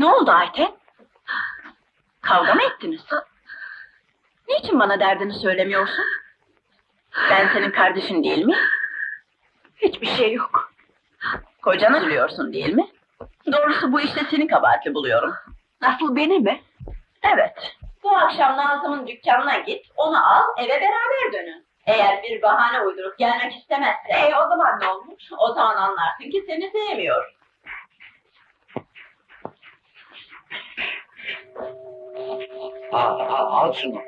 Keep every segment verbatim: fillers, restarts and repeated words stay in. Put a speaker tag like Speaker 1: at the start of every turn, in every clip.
Speaker 1: Ne oldu Ayten? Kavga mı ettiniz? Niçin bana derdini söylemiyorsun? Ben senin kardeşin değil mi? Hiçbir şey yok. Kocanı üzülüyorsun değil mi? Doğrusu bu işte seni kabahatli buluyorum. Nasıl, beni mi? Evet. Bu akşam Nazım'ın dükkanına git, onu al, eve beraber dönün. Eğer bir bahane uydurup gelmek istemezse... E o zaman ne olur? O zaman anlarsın ki seni sevmiyor.
Speaker 2: Al, al, al şunu.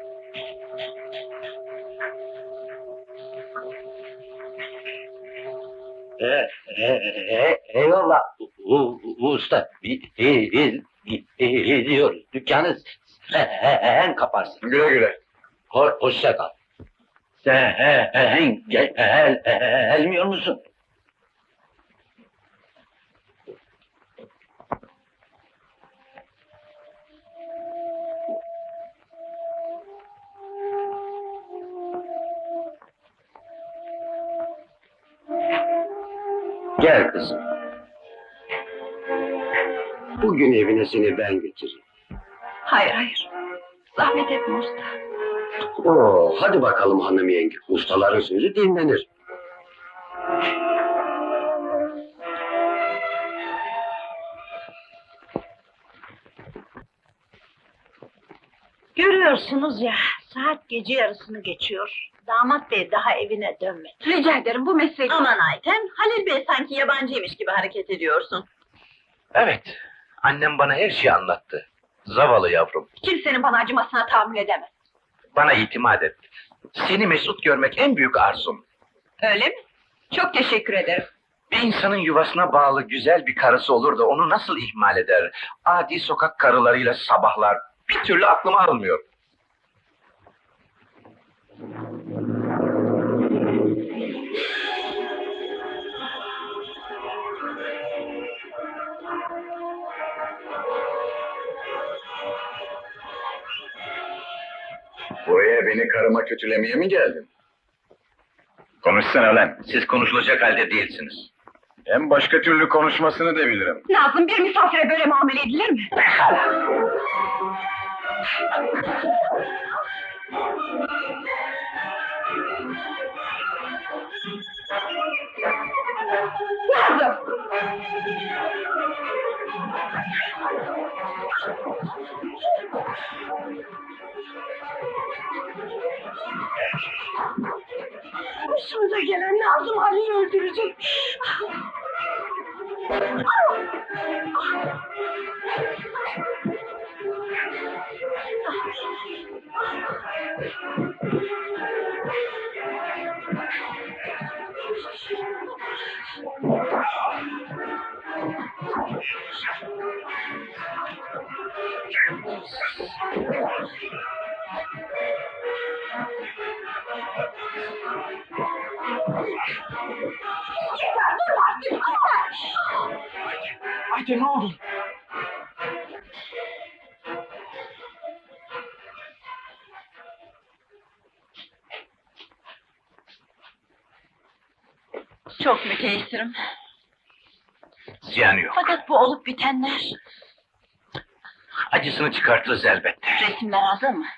Speaker 2: E, e, e, eyvallah u, u, usta. Biz, biz, biz gidiyoruz. Dükkanı sen kaparsın.
Speaker 3: Güle güle.
Speaker 2: Ho, hoşça kal. Sen gel, gel, gelmiyor musun? Gel kızım. Bugün evine seni ben götüreyim.
Speaker 1: Hayır hayır. Zahmet etme usta.
Speaker 2: Oo, hadi bakalım hanım yenge. Ustaların sözü dinlenir.
Speaker 1: Görüyorsunuz ya, saat gece yarısını geçiyor. Damat bey daha evine dönmedi. Rica ederim, bu meslek... Aman Ayten, Halil Bey sanki yabancıymış gibi hareket ediyorsun.
Speaker 3: Evet. Annem bana her şeyi anlattı. Zavallı yavrum.
Speaker 1: Kimsenin bana acımasına tahammül edemez.
Speaker 3: Bana itimat et. Seni mesut görmek en büyük arzum.
Speaker 1: Öyle mi? Çok teşekkür ederim.
Speaker 3: Bir insanın yuvasına bağlı güzel bir karısı olur da onu nasıl ihmal eder? Adi sokak karılarıyla sabahlar. Bir türlü aklıma almıyor.
Speaker 4: Buraya beni karıma kötülemeye mi geldin?
Speaker 3: Konuşsana lan. Siz konuşulacak halde değilsiniz.
Speaker 4: Hem başka türlü konuşmasını da bilirim.
Speaker 1: Nazım, bir misafire böyle muamele edilir mi? Nazım! Başımıza gelen Nazım Ali'yi öldürecek.
Speaker 3: Haydi ne oldu?
Speaker 1: Çok müteessirim.
Speaker 3: Ziyanı yok.
Speaker 1: Fakat bu olup bitenler...
Speaker 3: Acısını çıkartırız elbette.
Speaker 1: Resimler hazır mı?